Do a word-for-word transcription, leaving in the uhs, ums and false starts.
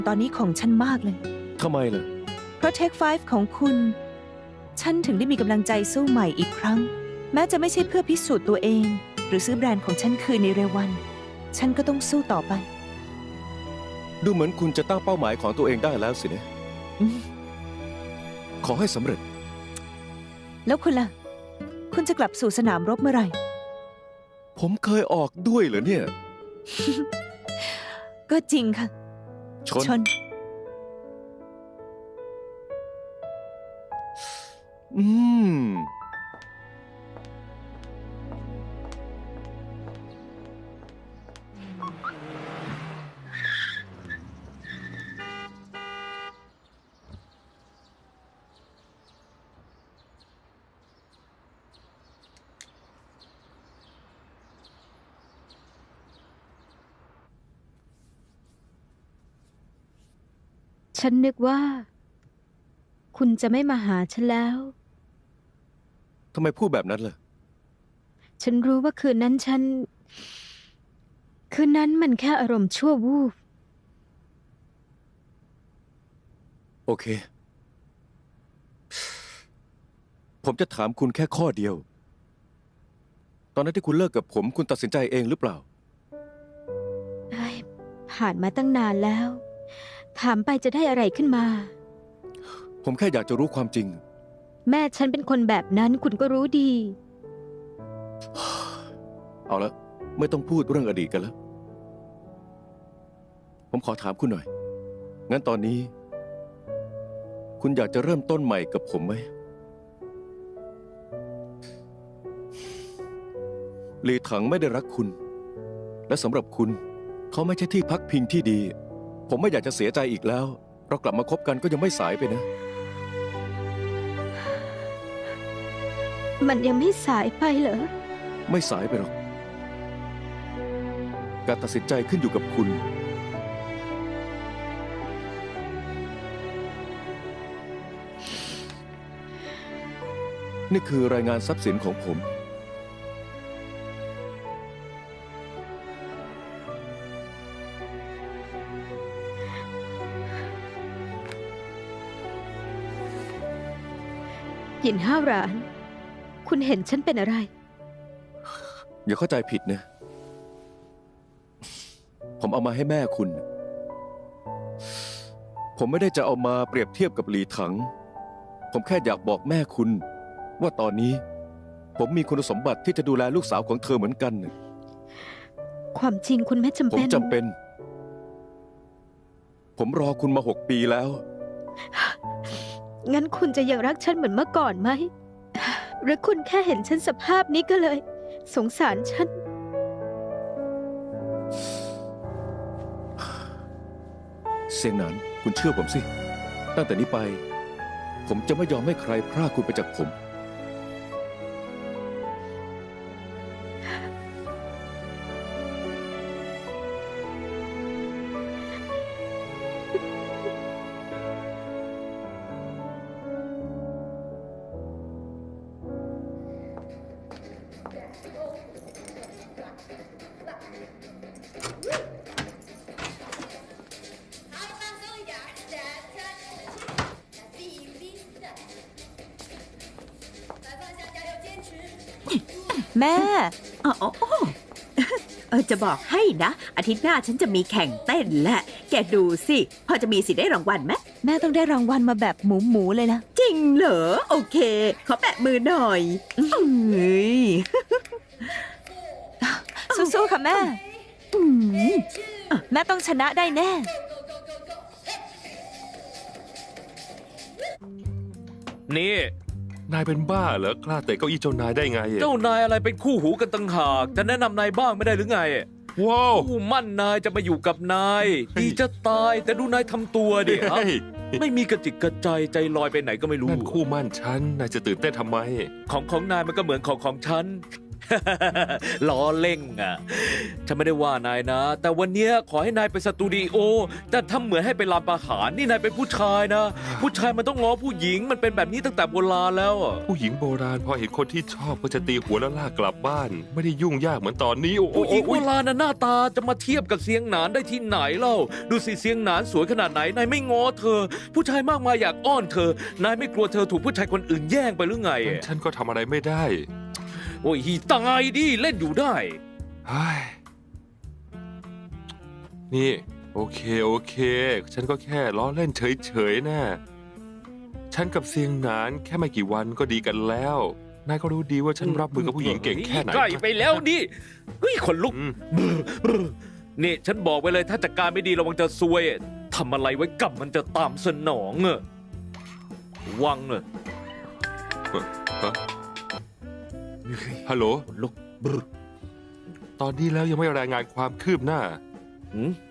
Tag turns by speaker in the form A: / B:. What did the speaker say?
A: ตอนนี้ของฉันมากเลย
B: ทำไมล่ะ
A: เพราะ Take ไฟว์ ของคุณ ฉันถึงได้มีกำลังใจสู้ใหม่อีกครั้ง แม้จะไม่ใช่เพื่อพิสูจน์ตัวเอง หรือซื้อแบรนด์ของฉันคืนในเร็ววัน ฉันก็ต้องสู้ต่อไป
B: ดูเหมือนคุณจะตั้งเป้าหมายของตัวเองได้แล้วสินะ
A: อืม
B: ขอให้สำเร็จ
A: แล้วคุณล่ะ คุณจะกลับสู่สนามรบเมื่อไหร่
B: ผมเคยออกด้วยเหรอเนี่ย
A: ก็จริงค่ะ
B: ชน
A: ชน
B: อืม
C: ฉันนึกว่า คุณจะไม่มาหาฉันแล้ว
B: ทำไมพูดแบบนั้นล่ะ
C: ฉันรู้ว่าคืนนั้นฉัน คืนนั้นมันแค่อารมณ์ชั่ววูบ
B: โอเค ผมจะถามคุณแค่ข้อเดียว ตอนนั้นที่คุณเลิกกับผม คุณตัดสินใจเองหรือเปล่า
C: เอ้ยผ่านมาตั้งนานแล้ว ถามไปจะได้อะไรขึ้นมา
B: ผมแค่อยากจะรู้ความจริง
C: แม่ฉันเป็นคนแบบนั้นคุณก็รู้ดี
B: เอาละไม่ต้องพูดเรื่องอดีตกันแล้ว ผมขอถามคุณหน่อย งั้นตอนนี้ คุณอยากจะเริ่มต้นใหม่กับผมไหมหลีถังไม่ได้รักคุณ และสำหรับคุณ เขาไม่ใช่ที่พักพิงที่ดี ผมไม่อยากจะเสียใจอีกแล้ว เรากลับมาคบกันก็ยังไม่สายไปนะ
C: มันยังไม่สายไปเหรอ
B: ไม่สายไปหรอก การตัดสินใจขึ้นอยู่กับคุณ นี่คือรายงานทรัพย์สินของผม
C: หยินห้าวหราน คุณเห็นฉันเป็นอะไร
B: อย่าเข้าใจผิดนะ ผมเอามาให้แม่คุณ ผมไม่ได้จะเอามาเปรียบเทียบกับหลีถัง ผมแค่อยากบอกแม่คุณ ว่าตอนนี้ ผมมีคุณสมบัติที่จะดูแลลูกสาวของเธอเหมือนกัน
C: ความจริงคุณไม่จำ
B: ผม
C: เป็น
B: จำเป็น ผมรอคุณมาหกปีแล้ว
C: งั้นคุณจะยังรักฉันเหมือนเมื่อก่อนไหม หรือคุณแค่เห็นฉันสภาพนี้ก็เลย สงสารฉัน
B: เซียงหนานคุณเชื่อผมสิ ตั้งแต่นี้ไป ผมจะไม่ยอมให้ใครพรากคุณไปจากผม
D: 好，放松一点，站站，闭闭的，再放下加油，坚持。
A: แม่
E: อ๋ออ๋อเออจะบอกให้นะ อาทิตย์หน้าฉันจะมีแข่งเต้นแหละ แกดูสิ พอจะมีสิทธิ์ได้รางวัลไหม
A: แม่ต้องได้รางวัลมาแบบหมูหมูๆเลยนะ
E: จริงเหรอ โอเค ขอแปะมือหน่อย
A: เฮ้ย สู้ๆค่ะแม่
E: อืม
A: แม่ต้องชนะได้แน่
F: นี่
G: นายเป็นบ้าเหรอกล้าเตะเก้าอี้เจ้านายได้ไง
F: เจ้านายอะไรเป็นคู่หูกันตั้งหาก จะแนะนำนายบ้างไม่ได้หรือไง
G: ว้าว
F: คู่มั่นนายจะมาอยู่กับนาย ดีจะตายแต่ดูนายทำตัวดิฮะ
G: เฮ้ย
F: ไม่มีกระจิกกระใจใจลอยไปไหนก็ไม่รู้
G: นั่นคู่มั่นฉันนายจะตื่นเต้นทำไม
F: ของของนายมันก็เหมือนของของฉันล้อเล่งอ่ะ ฉันไม่ได้ว่านายนะ แต่วันเนี้ยขอให้นายไปสตูดิโอ แต่ทำเหมือนให้ไปลานประหารนี่นายเป็นผู้ชายนะ ผู้ชายมันต้องง้อผู้หญิง มันเป็นแบบนี้ตั้งแต่โบราณแล้วอะ
G: ผู้หญิงโบราณพอเห็นคนที่ชอบก็จะตีหัวแล้วลากกลับบ้าน ไม่ได้ยุ่งยากเหมือนตอนนี้ โอ้โห
F: ผู้หญิงโบราณน่ะหน้าตาจะมาเทียบกับเสียงหนานได้ที่ไหนเล่า ดูสิเสียงหนานสวยขนาดไหน นายไม่ง้อเธอ ผู้ชายมากมายอยากอ้อนเธอ นายไม่กลัวเธอถูกผู้ชายคนอื่นแย่งไปหรือไง
G: งั้นฉันก็ทำอะไรไม่ได้
F: โอ้ยตายดิเล่นอยู่ได้
G: เฮ้ยนี่ โอเคโอเค ฉันก็แค่ล้อเล่นเฉยๆนะฉันกับเซียงหนานแค่ไม่กี่วันก็ดีกันแล้ว นายก็รู้ดีว่าฉันรับมือกับผู้หญิงเก่งแค่ไหน
F: ใกล้ไปแล้วดิเฮ้ยขนลุก
G: อืม
F: บรบรนี่ฉันบอกไว้เลยถ้าจัดการไม่ดีระวังจะซวยทำอะไรไว้กลับมันจะตามสนองอะวังเนอะ
G: ฮะฮัลโหล
F: ขนลุกบร
G: ตอนนี้แล้วยังไม่รายงานความคืบหน้า
F: หืม